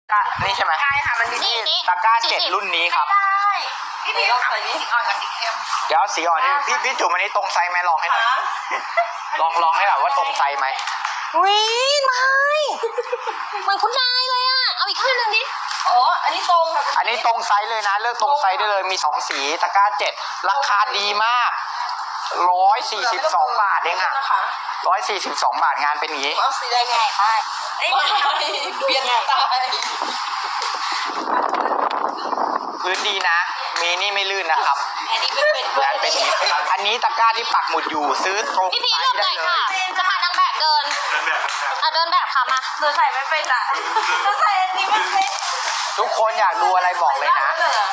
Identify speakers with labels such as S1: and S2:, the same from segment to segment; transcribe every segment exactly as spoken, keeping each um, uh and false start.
S1: นี่ใช่ไหม
S2: ใช่ค่ะมันนี่
S1: ตะกร้าเจ็ดรุ่นนี้ครับ
S2: พี่พี่ต้องใส่นี่สีอ่อนกับสีเข้ม
S1: เดี๋ยวสีอ่อนนี่พี่พี่จุ๋มอันนี้ตรงไซส์ไหมลองให้หน่อยลองลองให้หน่อยว่าตรงไซส์ไหม
S3: อุ้ยไม่เหมือนคุณนายเลยอ่ะเอาอีกข้างหนึ่งดิ
S2: อ๋ออันนี้ตรงค่ะ
S1: อันนี้ตรงไซส์เลยนะเลือกตรงไซส์ได้เลยมีสองสีตะกร้าเจ็ดราคาดีมากร้อยสี่สิบสองบาทเองอะร้อยสี่สิบสองบาทงานเป็นอย่างนี้
S2: เอาสีแดงไงไม่เปลี่ยนสไตล์
S1: พื้นดีนะมีนี่ไม่ลื่นนะครับ
S2: อันนี้ไม่เป็น
S1: งานเป็นอย่างนี้อันนี้ตะกร้าที่ปักหมุดอยู่ซื้อตรง
S3: พี่พีเลือกได้ค่ะจะพานางแบบเดินอ่ะเดินแบบค่ะมา
S2: เดินใส่ไม่เป็นอ่ะเดินใส่อันนี้ไม่เป็น
S1: ทุกคนอยากดูอะไรบอกเลยนะ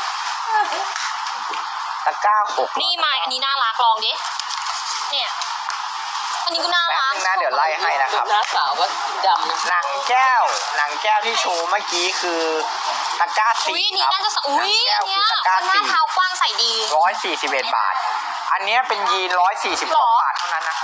S1: ตะกร้าหก
S3: นี่มาอันนี้น่ารักลองดิเนี่ยอันนี้ก็น่ารัก
S1: นะเดี๋ยวไล่ให้นะครับ
S2: น้าสาวว่าดำนะ
S1: หนังแก้วหนังแก้วที่โชว์เมื่อกี้คือตะกร้าสี่ครับ
S3: น่าจะอุ้ยอันเนี้ยหน้าเท้ากว้างใส่ดี
S1: ร้อยสี่สิบเอ็ดบาทอันนี้เป็นยีนร้อยสี่สิบสองบาทเท่านั้นนะ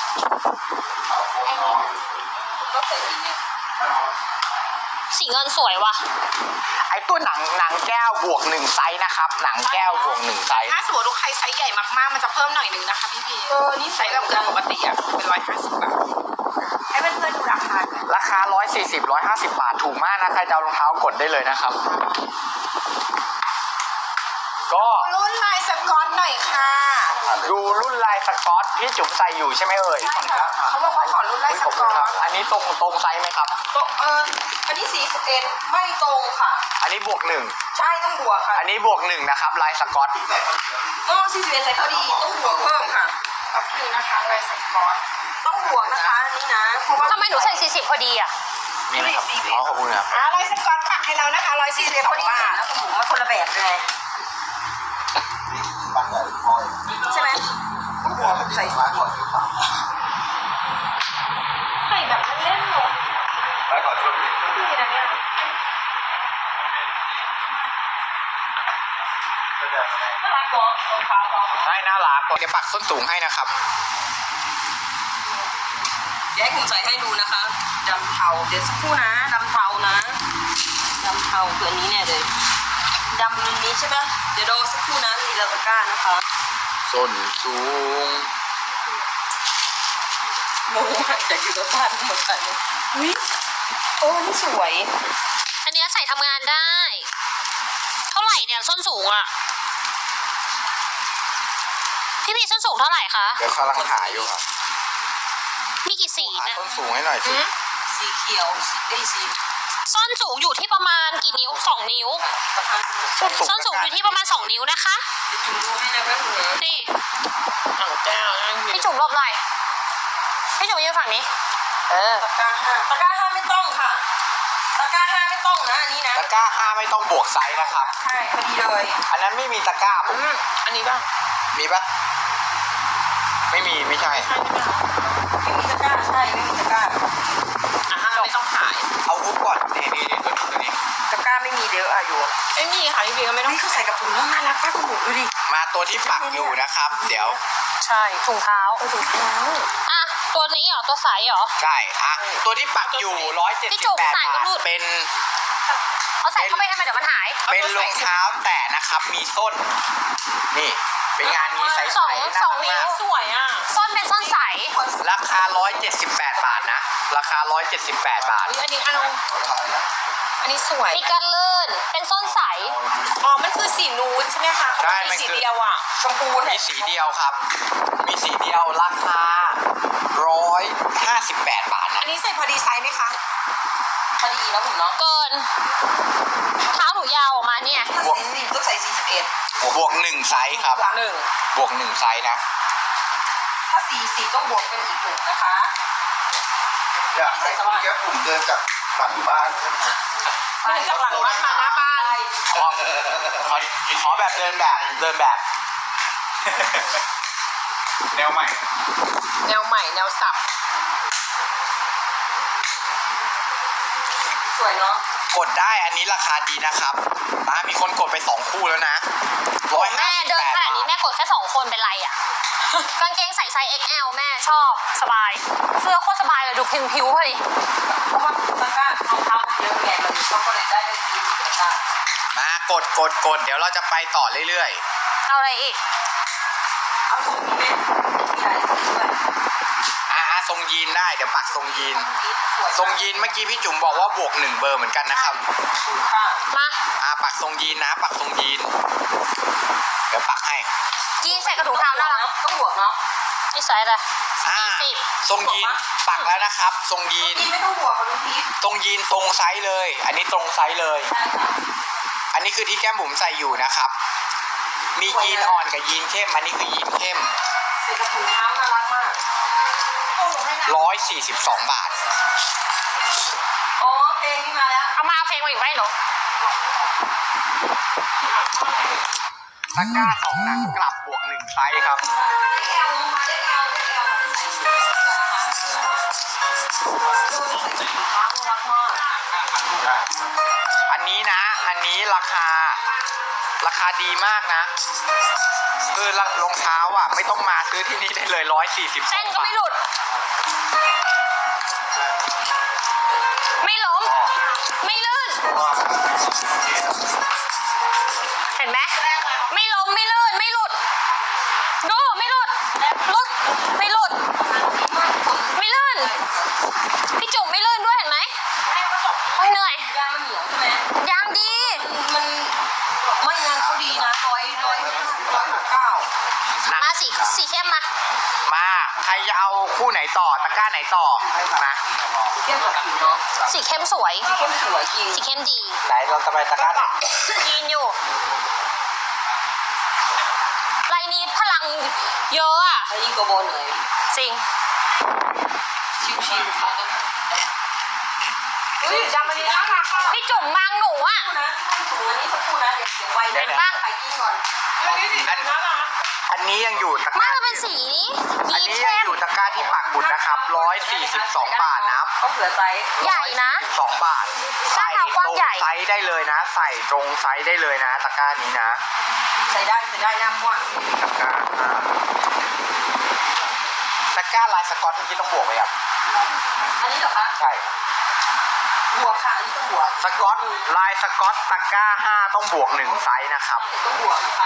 S3: สีเงินสวยว่ะ
S1: ไอตัวหนังหนังแก้วบวกหนึ่งไซส์นะครับหนังแก้วบวกหนึ่งไซส์
S2: ถ้าสมมติว่าใครไซส์ใหญ่มากๆมันจะเพิ่มหน่อยนึงนะคะพี่พีเออนี่ไซส์แบบปกติอ่ะเป็นร้อยห้าสิบบาทให้เพื่อนๆดูราคา
S1: ราคาร้อยสี่สิบร้อยห้าสิบบาทถูกมากนะใครจะเอารองเท้ากดได้เลยนะครับก็
S2: รุ่นลายสก๊อตหน่อยค่ะ
S1: ดูรุ่นลายสก๊อตพี่จุ๋มใส่อยู่ใช่ไหมเอ่ย
S2: ใช่ค่ะเขาบอกว่าขอรุ่นลายสก๊อต
S1: อันนี้ตรงตรงไซส์ไหมครับ
S2: ตรงเอออันนี้สี่สิบเอ็ดไม่ตรงค่ะ
S1: อันนี้บวกหนึ่ง
S2: ใช่ต้องบวกค่ะ
S1: อันนี้บวกหนึ่งนะครับลายสก๊อต
S2: เออสี่สิบเอ็ดใส่พอดีต้องบวกเพิ่มค่ะขอบคุณนะคะลายสก๊อตต้องบวกนะคะอันนี้นะเพราะว่า
S3: ทำไมหนูใส่สี่สิบพอดีอ่ะ
S1: นี่นะครับอ๋อขอบคุณครับ
S2: อ่าลายสก๊อตปักให้เรานะคะร้อยสี่สิบพอดีนะคุณหมูมันคนละแบบเลยใช่ไหมใส่ใส่แบบเล่นหรอ
S1: ไปขอโทษ
S2: ดีนะเนี่ยน่ารักกว่า
S1: ใช่น่ารักเดี๋ยวปักส้นสูงให้นะครับ
S2: เดี๋ยวให้ผมใส่ให้ดูนะคะดำเทาเดี๋ยวสักครู่นะดำเทานะดำเทาตัวนี้เนี่ยเลยดำนี้ใช่ไหมเดี๋ยวรอสักครู่นะมีลาตะก้านะคะ
S1: ส้นสูง
S2: งงมากจากอยู่กับบ้านหมดเลยอุ้ยโอ้นี่สวย
S3: อันนี้ใส่ทำงานได้เท่าไหร่เนี่ยส้นสูงอ่ะพี่พีส้นสูงเท่าไหร่คะ
S1: เดี๋ยวกำลังหาอยู่ครับ
S3: มีกี่สีเนี่ย
S1: ส้นสูงให้หน่อยสิ
S2: สีเขียวไอ้สี
S3: ส้นสูงอยู่ที่ประมาณกี่นิ้วสองนิ้วส้นสูงอยู่ที่ประมาณสองนิ้วนะคะนี่พี่จุ๋มหลบหน่อยพี่จุ๋มยืนฝั่งนี้เออ
S2: ตะกร้าห้าตะกร้าห้าไม่ต้องค่ะตะกร้าห้าไม่ต้องนะอันนี้นะ
S1: ตะกร้าห้าไม่ต้องบวกไซส์นะครับ
S2: ใช่พอดีเลย
S1: อันนั้นไม่มีตะกร้าผม
S2: อันนี้บ้าง
S1: มีปะไม่มีไม่ใช่
S2: ไม่มีตะกร้าใช่ไม่มีตะกร้าอ่ะห้าไม่ต้องขาย
S1: เอารูปก่อนนี่นี่นี่ตัวนี้ตัวนี้
S2: ตะกร้าไม่มีเดี๋ยวอายุไอ้นี่ค่ะพี่บีก็ไม่ต้องเขาใส่กับถุงน่ารักมากคุณหมูดูดิ
S1: มาตัวที่ปักอยู่นะครับเดี๋ยว
S3: ใช่ถุงเท้าถุงเท้าอ่ะตัวนี้เหรอตัวใสเหรอ
S1: ใช่อ่ะตัวที่ปักอยู่ร้อยเจ็ดสิบแปดบาทเป็น
S3: เอาใส่เข้าไปทำไมเดี๋ยวมันหาย
S1: เป็นรองเท้าแตะนะครับมีส้นนี่เป็นงานนี้ใสๆ
S3: สองสองนิ้ว
S2: สวยอ่ะ
S3: ส้นเป็นส้นใส
S1: ราคาร้อยเจ็ดสิบแปดบาทนะราคาร้อยเจ็ดสิบแปดบาท
S2: อันนี้อันอันนี้สวย
S3: มีกันเลื่อนเป็นส้นใส
S2: อ๋อมันคือสีนูดใช่ไหมคะ
S1: ใช่
S2: สีเดียวอ่ะชมพู
S1: มีสีเดียวครับมีสีเดียวราคาร้อยห้าสิบแปดบาทนะ
S2: อันนี้ใส่พอดีไซส์ไหมคะพอดีแล้วผมเนาะ
S3: เกินเท้าหนูยาวออกมาเนี่ย
S2: บวกสี่ต้องใส่สี่สิบเอ็ด
S1: บวกหนึ่งไซส์ครับ
S2: หนึ่ง
S1: บวกหนึ่งไซส์นะ
S2: ถ้าสี่สิบต้องบวกเป็นอีกหนึ่งนะคะ
S4: อยากให้คุณแก้ผมเดินจากหลังบ้าน
S2: เดินจากหลังบ้านมาหน้าบ้าน
S1: ขอขอแบบเดินแบบเดินแบบแนวใหม่
S2: แนวใหม่แนวสับสวยเนาะ
S1: กดได้อันนี้ราคาดีนะครับอ่ามีคนกดไปสองคู่แล้วนะ
S3: ร้อยแม่เดินขนาดนี้แม่กดแค่สองคนเป็นไรอ่ะกางเกงใส่ไซส์ เอ็กซ์ แอล แม่ชอบสบายเสื้อโคตรสบายเลยดูพิมพ์ผิวพอดี
S2: เพราะว่าตะกร้ารองเท้าเยอะไงมันก็เลยได้ค่ะ
S1: มากดกดกดเดี๋ยวเราจะไปต่อเรื่อย
S3: เอาอะไรอีก
S2: เอาทรงนี้ไหมมีหลายสีด้วย
S1: ๆอ่าทรงยีนได้เดี๋ยวปักทรงยีน
S2: สวย
S1: ทรงยีนเมื่อกี้พี่จุ๋มบอกว่าบวกหนึ่งเบอร์เหมือนกันนะครับ
S2: ถูกค่ะ
S3: มา
S1: อ่าปักทรงยีนนะ ปักทรงยีน เดี๋ยวปักให้
S3: ยีนใส่กระถุงเท้าน่ารัก
S2: ต้องบวกเนาะ
S3: นี่ใส่อะไร
S1: อ่า
S3: สี่สิบ
S1: ทรงยีนปักแล้วนะครับ ทรงยีน
S2: กินไม่ต้องบวกค่ะลุงพีท
S1: ทรงยีนตรงไซส์เลย อันนี้ตรงไซส์เลย
S2: ใช่ค่ะ
S1: อันนี้คือที่แก้มบุ๋มใส่อยู่นะครับ มียีนอ่อนกับยีนเข้ม อันนี้คือยีนเข้ม
S2: ใส่กระถุงเท้าน่ารักมากโอ้โหให้นะ
S1: ร้อยสี่สิบสองบาท
S2: อ๋อเพลงนี้มาแล้ว
S3: เอามาเอาเพลงมาอีกไหมหนู
S1: ตะกร้าสองหนังกลับบวกหนึ่งไซส์ครับ
S2: ได้แอลมาได้แอลได้แอลดูใส่กระถุงเท้าน่ารักมาก
S1: อันนี้นะ อันนี้ราคา ราคาดีมากนะ คือรองเท้าอ่ะ ไม่ต้องมาซื้อที่นี่ได้เลยร้อยสี่สิบส
S3: เส้
S1: อน ง
S3: ก็
S1: บา
S3: ไม่
S1: ท
S3: หลุด ไม่ล้ม ไม่ลื่น เห็นไหมไม่ล้มไม่ลื่นไม่หลุด ดูไม่หลุดหลุดไม่หลุด ไม่ลื่น พี่จุ๋มไม่ลื่นด้วยเห็นไหมโอ้ยเหนื่อย
S2: ยางมันเหนียวใช่ไหม
S3: ยางดี
S2: มันไม่ยางเขาดีนะร้อยร้อยร้อยหกเก้า
S3: มาสีสีเข้มมา
S1: มา ใครจะเอาคู่ไหนต่อ ตะกร้าไหนต่อ มา
S2: เทียบกับผิวเนาะ
S3: สีเข้มสวย
S2: สีเข้มสวยจริง
S3: สีเข้มดี
S1: ไหนเราจะไปตะกร้าไหน
S3: ยีนอยู่ลายนี้พลังเยอะอะ
S2: แล้วยิ่งกว่าโบนเลย
S3: จริง
S2: ชิวๆค่ะอุ้ยจำมันนี้นะคะ
S3: พี่จุ๋มมังหนูอะ
S2: นะสูงอันนี้สักครู่นะเดี๋ยวเดี๋ยวไว
S3: เห็นปะ
S2: ไปกินก่อน
S1: อันอันนี้ยังอยู่ตะก
S3: มา
S1: ร้า
S3: มันเป็นสี
S1: อัน
S3: ยีน
S1: นี้ยั
S3: เข้
S1: ง
S3: ม
S1: อยู่ตะกร้าที่ปักหมุดนะครับร้อยสี่สิบสองบาทนะครับ
S2: ต้องเผื่อไซส์
S3: ใหญ่นะ
S1: สองบาท ใส่
S3: หน้าเท้ากว้าง
S1: ตรง
S3: ใหญ่
S1: ไซส์ได้เลยนะ ใส่ตรงไซส์ได้เลยนะ ตะกร้านี้นะ
S2: ใส่ได้ใส่ได้หน้ากว้าง
S1: ตะกร้าอ่าตะกร้าลายสกอตเมื่อกี้ต้องบวกไหมครับ
S2: อันนี้เหรอคะ
S1: ใช่
S2: บวกค่ะอันนี้ต้องบวก
S1: สกอตลายสกอตตะกร้าห้าต้องบวกหนึ่งไซส์นะครับ
S2: ต้องบวกนะคะ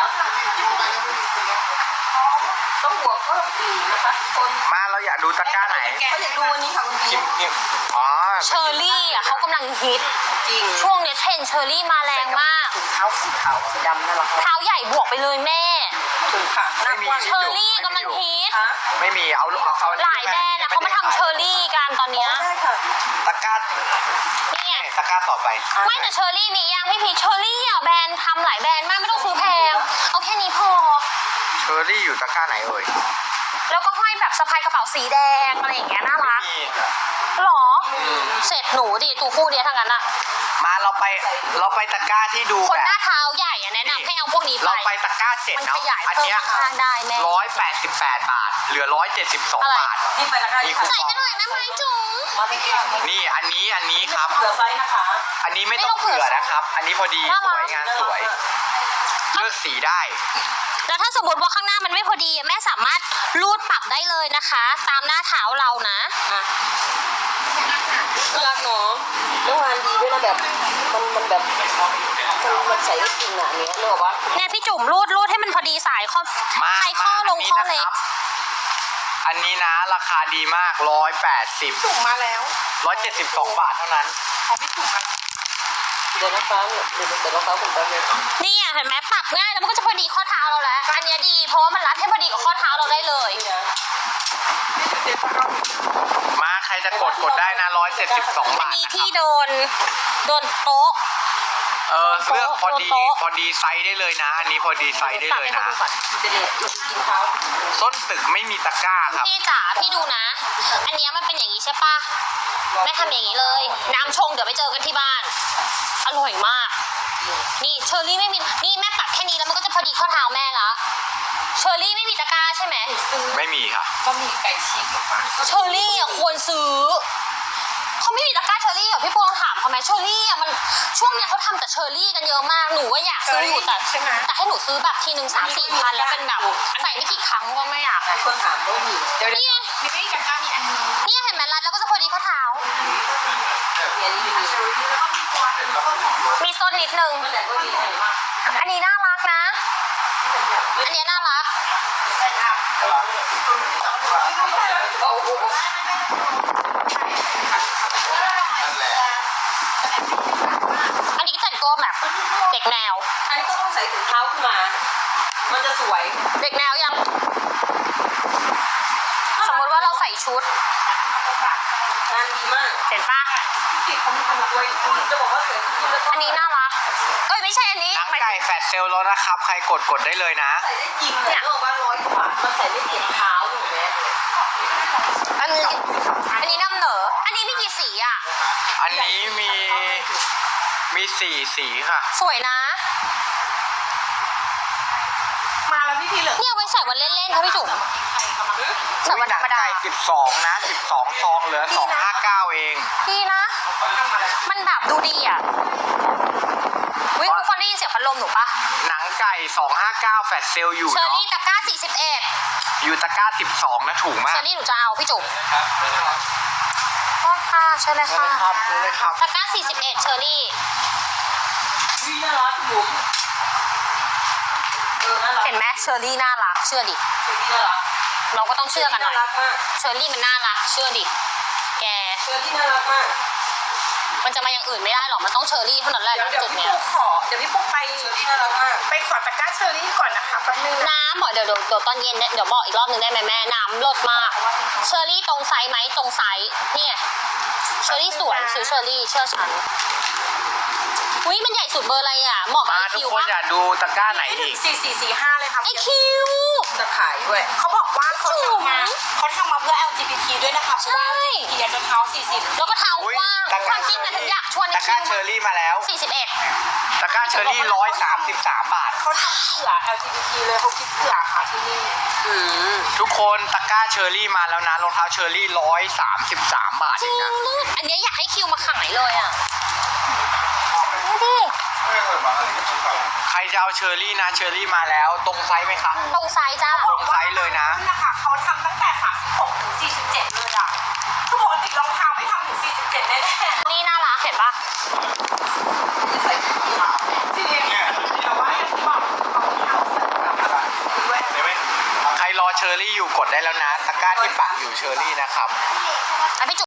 S2: ต้องบวกเพิ่มอีกนะคะทุกคน
S1: มาเราอยากดูตะกร้าไหน
S2: เขาอยากดูวันนี้ค่ะคุณ
S1: พิ
S2: พี่
S1: มพ์พิมพ์อ๋อ
S3: เชอร์รี่อะเขากำลังฮิต
S2: จริง
S3: ช่วงเนี้ยเทรนด์เชอร์รี่มาแรงมาก
S2: ถุงเท้าสีขาวสีดำน่ารัก
S3: เท้าใหญ่บวกไปเลยแม่
S2: ถุงค่ะหน้ากว้าง
S3: เชอร์รี่กำลังฮิต
S2: คะ
S1: ไม่มีเอาเอาเอา
S3: หลายแบรนด์อะเขามาทำเชอร์รี่กันตอนเนี้ย
S2: ได้ค่ะ
S1: ตะกร้า
S3: นี่ไง
S1: ตะกร้าต่อไป
S3: ไม่แต่เชอร์รี่มียังพี่พีชเชอร์รี่อะแบรนด์ทำหลายแบรนด์มากไม่ต้องซื้อแพง เอาแค่นี้พอ
S1: เชอร์รี่อยู่ตะกร้าไหนเอ่ย
S3: แล้วก็ห้อยแบบสะพายกระเป๋าสีแดงอะไรอย่างเงี้ยน่ารัก
S1: มี
S3: หรอ เสร็จหนูดิตูคู่เนี้ยทั้งนั้นอะ
S1: มาเราไปเราไปตะกร้าที่ดู
S3: คน
S1: แบ
S3: หน้า
S1: บ
S3: เท้าใหญ่อะแนะนำให้เอาพวกนี้ไป
S1: เราไปตะกร้าเจ็ด
S3: มัน
S1: เนาะ
S3: ขยาย
S1: อัน
S3: เพิ่ม
S1: เนี้ย
S3: ข้างได้แม่
S1: ร้อยแปดสิบแปดบาท เหลือร้อยเจ็ดสิบสอง
S3: อะไร
S1: บาท
S2: นี่ไปนะคะ
S1: มี
S2: นี่
S1: คู
S3: ใส่
S1: ปอง
S3: กันหน่อยนะไม้จุ๋ม
S2: มาไม่กี่
S1: นี่อันนี้อันนี้ครับ
S2: เผื่อไซส์นะคะ
S1: อันนี้ไม่ต้องเผื่อนะครับ อันนี้พอดี
S3: น่า
S1: ส
S3: รัก
S1: วยงานสวย เลือกสีได้
S3: แล้วถ้าสมมติว่าข้างหน้ามันไม่พอดีแม่สามารถรูดปรับได้เลยนะคะ ตามหน้าเท้าเรานะ
S2: อ่ะน่ารักเนาะแล้วงานดีด้วยนะแบบมันมันแบบมันมันใส่ได้จริงอ่ะอันเนี้ยนึกออกปะ
S3: เนี่ยพี่จุ๋มรูดรูดให้มันพอดีสายข้อ
S1: มา
S3: ไขข้อลง
S1: มา
S3: ข้อ
S1: อันนี้
S3: เล็
S1: นะ
S3: ก
S1: ครับ อันนี้นะราคาดีมากร้อยแปดสิบ
S2: ถุงมาแล้ว
S1: ร้อยเจ็ดสิบสองบาทเท่านั้น
S2: ของพี่ถุงมาเดี๋ยวนะคะเนี่ยเดี๋ยวเดี๋ยวนะคะผมแป๊บนึง
S3: นี่อ่ะเห็นไหมปรับง่ายแล้วมันก็จะพอดีข้อเท้าเราแล้วอันเนี้ยดีเพราะว่ามันรัดให้พอดีกับข้อเท้าเราได้เลย
S2: นี่นะ
S1: มาใครจะกดกดได้นะร้อยเจ็ดสิบสอง
S3: อัน
S1: บาท
S3: นี้
S1: นะค
S3: ที่
S1: รับ
S3: โดนโดนโต๊ะ
S1: เออเลือกพอดี
S3: โต๊ะ
S1: พอดีไซส์ได้เลยนะ อันนี้พอดีไซส์ได้เลยนะ
S3: ปรับให้ขาดูก่อน
S2: จะเด็ดกินเท้า
S1: ส้นตึกไม่มีตะกร้าครับ
S3: พี่จ๋าพี่ดูนะ อันเนี้ยมันเป็นอย่างนี้ใช่ปะแม่ทำอย่างนี้เลย น้ำชงเดี๋ยวไปเจอกันที่บ้าน อร่อยมาก นี่เชอร์รี่ไม่มีนี่แม่ปรับแค่นี้แล้วมันก็จะพอดีข้อเท้าแม่ละเชอร์รี่ไม่มีตะกร้าใช่ไหม
S1: ไม่มีค่ะ
S2: ก็มีไก่ฉีกออกมา
S3: เชอร์รี่อ่ะควรซื้อเขาไม่มีตะกร้าเชอร์รี่เหรอพี่ปวงถามเขาไหมเชอร์รี่อ่ะมันช่วงเนี้ยเขาทำแต่เชอร์รี่กันเยอะมากหนูก็อยากซื้ออยู่แต่แต่ให้หนูซื้อแบบทีหนึ่งสามสี่พันแล้วเป็นแบบใส่ไม่กี่ครั้งก็ไม่อยาก
S2: หลายคนถามว่ามีเดี๋ยว
S3: นี่ไง
S2: มีไม่มีตะกร้ามีอันนี้
S3: เนี่ยเห็นไหมรัดแล้วก็จะพอดีข้อเท้า
S2: มีอันนี้มี
S3: มีส้นต้นนิดนึง
S2: มันแต่ก็ดีมาก
S3: อันนี้น่ารักนะ อันนี้น่ารัก
S2: โอ้โห
S4: นั่นแหละ
S3: อันนี้แต่งตัวแบบเด็กแนว
S2: อันนี้ก็ต้องใส่ถุงเท้าขึ้นมา มันจะสวย
S3: เด็กแนวยัง สมมติว่าเราใส่ชุด
S2: งานดีมาก
S3: เห็นปะ
S2: ติดเขามีคนสวยคุณจะบอกว่าสวยคุณแล้วก็
S3: อันนี้น่ารัก เอ้ยไม่ใช่อันนี้
S1: หนัง
S3: หมาย
S1: ไก่
S3: ถึง
S1: แฟดเซลแล้วนะครับ ใครกดกดได้เลยนะ
S2: ใส่ได้จริงเลยนึกว่าร้อยกว่ามันใส่ได้เจ็บเท้าหนูแม่
S3: อันนี้อันนี้น้ำเหนอ อันนี้มีกี่สีอ่ะ
S1: อันนี้มีมีสี่สีค่ะ
S3: สวยนะ
S2: มาแล้วพี่พีเหลือ
S3: เนี่ยไว้ใส่วันเล่นๆค่ะพี่จุ๋มใส่วันธรรมดา
S1: ไก่สิบสองนะสิบสองซองเหลือสองห้าเก้าเอง
S3: ดีนะ มันแบบดูดีอ่ะวิทุกคนได้ยินเสียงพัดลมหนูปะ
S1: หนังไก่สองห้าเก้าแฟดเซลอยู่
S3: เชอ
S1: เนาะ
S3: รี่ตะกร้าสี่สิบเอ็ด
S1: อยู่ตะกร้าสิบสองนะถูกมา
S3: เช
S1: ก
S3: อรี่หนูจะเอาพี่จุ๋มก็ค่ะใช่เลย
S1: เลย
S3: ค่ะ
S1: ครับเลยครับ
S3: ตะกร้าสี่สิบเอ็ดเชอรี่
S2: วิน่ารักบุ๋มเออน่ารัก
S3: เห็นไหมเชอรี่น่ารัก เชื่อดิ
S2: เชอรี่น่ารัก
S3: เราก็ต้องเชื่อกันหน่
S2: น่า
S3: อย
S2: รักมาก
S3: เชอรี่มันน่ารัก เชื่อดิ แก
S2: เชอรี่น่ารักมาก
S3: มันจะมาอย่างอื่นไม่ได้หรอก มันต้องเชอรี่เท่านั้นแหละ
S2: เดี๋ยวเดี๋ยว
S3: จุด
S2: พี่
S3: เนี้ย
S2: ปุ๊กขอเดี๋ยวพี่ปุ๊กไปเชอรี่น่ารักมากไปขอตะกร้าเชอรี่ก่อนนะคะแป๊บนึง
S3: น้ำบอกเดี๋ยวเดี๋ยวเดี๋ยวตอนเย็นเนี่ยเดี๋ยวบอกอีกรอบหนึ่งได้ไหมแม่ น้ำลดมาก เชอรี่ตรงไซส์ไหมตรงไซส์เนี่ยเชอรี่สวยซื้อเชอรี่เชื่อฉันอุ้ยมันใหญ่สุดเบอร์อะไรอ่ะเหมาะกับ
S1: มา
S3: ไอ
S1: ทุก
S3: คิว
S1: คน
S3: ปะ
S1: อยากดูตะกร้าไหนอีก
S2: สี่สี่สี่ห้าเลยค่ะ
S3: ไอคิว
S2: จะขายด้วยเขาบอกว่าเขาทำมาเขาทำมาเพื่อ แอล จี บี ที ด้วยนะคะเพราะว่า
S3: ใช่
S2: อยากจะเท้าสี่สิบ
S3: แล้วก็เท้า
S1: อุ๊ย
S3: กว้าง
S1: ตะก
S3: ค
S1: ร้า
S3: วามจริงอะถึงอยากชวนไอ
S1: ตะก
S3: คิ
S1: ร้าว เชอรี่มาแล้ว
S3: สี่สิบเอ็ด
S1: ตะกร้าเชอรี่ร้อยสามสิบสามบาท
S2: เขาทำเผื่อ แอล จี บี ที เลยเขาคิดเผื่อค่ะที่นี่
S3: อืม
S1: ทุกคนตะกร้าเชอรี่มาแล้วนะรองเท้าเชอรี่ร้อยสามสิบสามบาท
S3: จ
S1: เอ
S3: ริ
S1: ง
S3: ง
S1: นะ
S3: ลูกอันเนี้ยอยากให้คิวมาขายเลยอ่ะดูดิ
S4: ไม่เคยมาเลยชุดเขา
S1: ใครจะเอาเชอรี่นะเชอรี่มาแล้วตรงไซส์ไหมคะ
S3: ตรงไซส์จ้า
S1: ตรงไซส์เลยนะ
S2: นะคะเขาทำตั้งแต่สามสิบหกถึงสี่สิบเจ็ดเลยอ่ะคือปกติรองเท้าไม่ทำถึงสี่สิบเจ็ดแน่ๆ
S3: นี่น่ารักเห็นปะ
S2: ใส่ที่ขาจริงแต่ว่าอย่างที่บอกเขาเอาใส่แบบด้วย
S4: เห็นไหม
S1: ใครรอเชอรี่อยู่กดได้แล้วนะตะกร้าที่ปักอยู่เชอรี่นะครับ
S3: อ่ะพี่จุ